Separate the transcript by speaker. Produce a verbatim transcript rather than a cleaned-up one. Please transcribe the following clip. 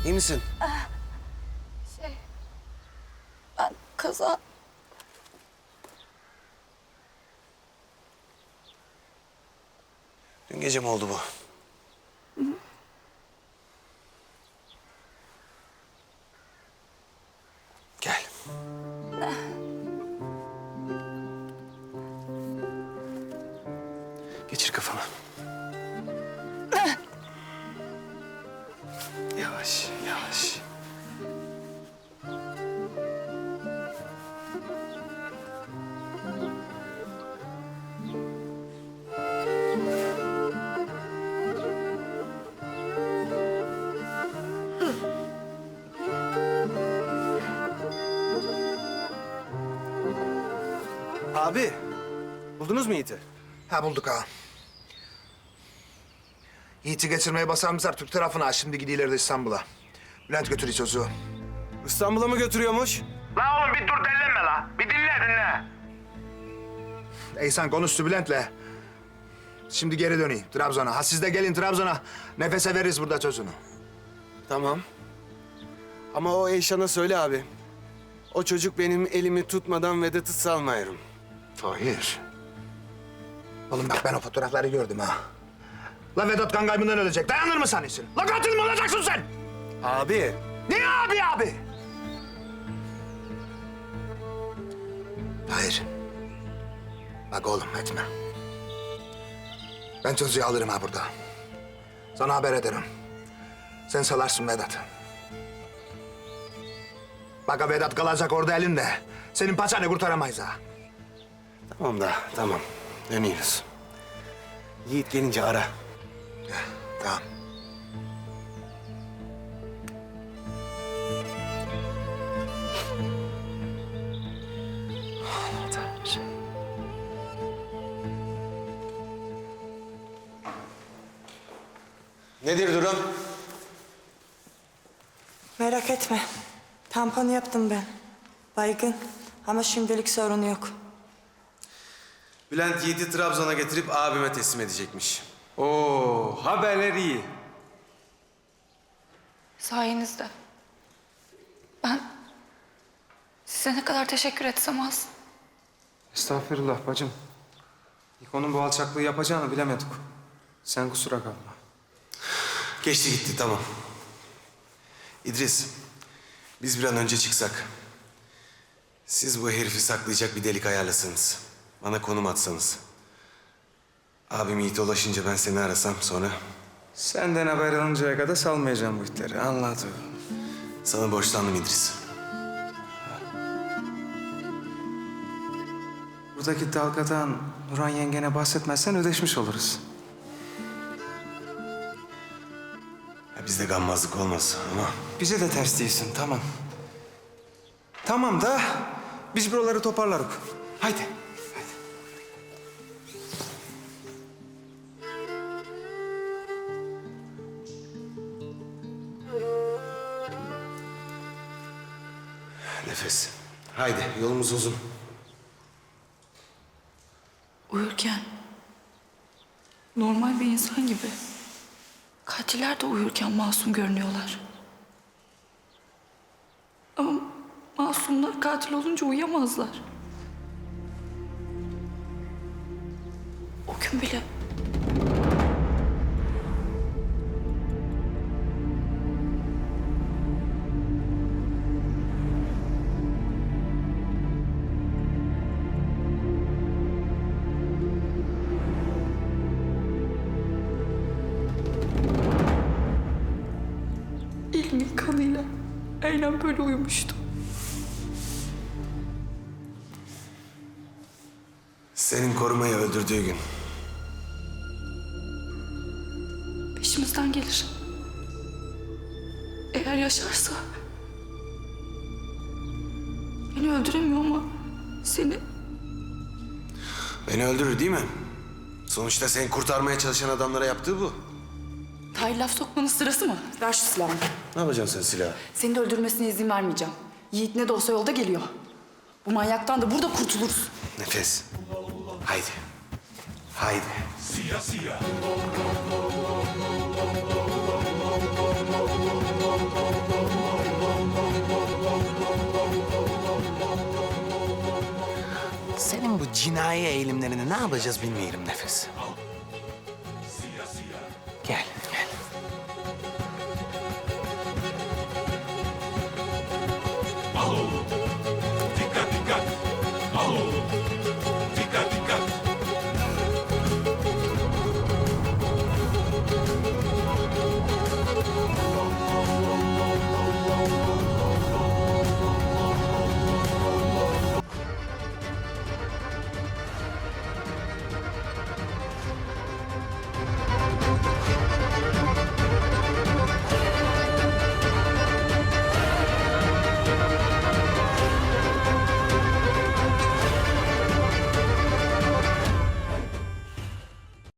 Speaker 1: İyi misin?
Speaker 2: Şey, ben kaza...
Speaker 1: Dün gece mi oldu bu?
Speaker 2: Hı.
Speaker 1: Gel. Geçir kafana. Yavaş, yavaş. Abi, buldunuz mu Yiğit'i?
Speaker 3: Ha bulduk ha. Yiğit'i geçirmeye basarmışlar Türk tarafına. Şimdi gidiyorlar da İstanbul'a. Bülent götürüyor çocuğu.
Speaker 1: İstanbul'a mı götürüyormuş?
Speaker 3: La oğlum bir dur dellenme la. Bir dinle dinle. İhsan konuştu Bülent'le. Şimdi geri döneyim Trabzon'a. Ha siz de gelin Trabzon'a. Nefese veririz burada çocuğunu.
Speaker 1: Tamam. Ama o Eyşan'a söyle abi. O çocuk benim elimi tutmadan Vedat'ı salmayırım.
Speaker 3: Tahir. Oğlum bak ben o fotoğrafları gördüm ha. La Vedat kan kaybından ölecek. Dayanır mı sanıyorsun? La katil mi olacaksın sen?
Speaker 1: Abi.
Speaker 3: Ne abi abi? Hayır. Bak oğlum etme. Ben çocuğu alırım ha burada. Sana haber ederim. Sen salarsın Vedat'ı. Bak ha Vedat kalacak orada elinde. Senin paçanı kurtaramayız ha.
Speaker 1: Tamam da tamam. Dönüyoruz. Yiğit gelince ara.
Speaker 3: Ya, tamam.
Speaker 1: Nedir durum?
Speaker 4: Merak etme. Tampon yaptım ben. Baygın ama şimdilik sorun yok.
Speaker 1: Bülent Yiğit'i Trabzon'a getirip abime teslim edecekmiş.
Speaker 5: Oo, haberler iyi.
Speaker 2: Sayenizde. Ben size ne kadar teşekkür etsem az.
Speaker 5: Estağfurullah bacım. İkonun bu alçaklığı yapacağını bilemedik. Sen kusura kalma.
Speaker 1: Geçti gitti tamam. İdris, biz bir an önce çıksak. Siz bu herifi saklayacak bir delik ayarlasanız. Bana konum atsanız. Abim Yiğit'e ulaşınca ben seni arasam sonra...
Speaker 5: Senden haber alıncaya kadar salmayacağım bu itleri. Anladım.
Speaker 1: Sana borçlandım İdris.
Speaker 5: Buradaki dalgadan Nurhan yengene bahsetmezsen ödeşmiş oluruz.
Speaker 1: Ya bizde gammazlık olmaz ama...
Speaker 5: Bize de ters değilsin, tamam. Tamam da biz buraları toparlarız. Haydi.
Speaker 1: Nefes. Haydi yolumuz uzun.
Speaker 2: Uyurken normal bir insan gibi. Katiller de uyurken masum görünüyorlar. Ama masumlar katil olunca uyuyamazlar. O gün bile elimin kanıyla aynen böyle uyumuştum.
Speaker 1: Senin korumayı öldürdüğü gün.
Speaker 2: Peşimizden gelir. Eğer yaşarsa... Beni öldüremiyor ama seni...
Speaker 1: Beni öldürür değil mi? Sonuçta seni kurtarmaya çalışan adamlara yaptığı bu.
Speaker 6: Tahir laf sokmanın sırası mı? Ver şu silahını.
Speaker 1: Ne yapacaksın sen silahı?
Speaker 6: Seni de öldürmesine izin vermeyeceğim. Yiğit ne de olsa yolda geliyor. Bu manyaktan da burada kurtuluruz.
Speaker 1: Nefes. Haydi. Haydi.
Speaker 7: Siyah siyah. cinayi eğilimlerini ne yapacağız bilmiyorum Nefes.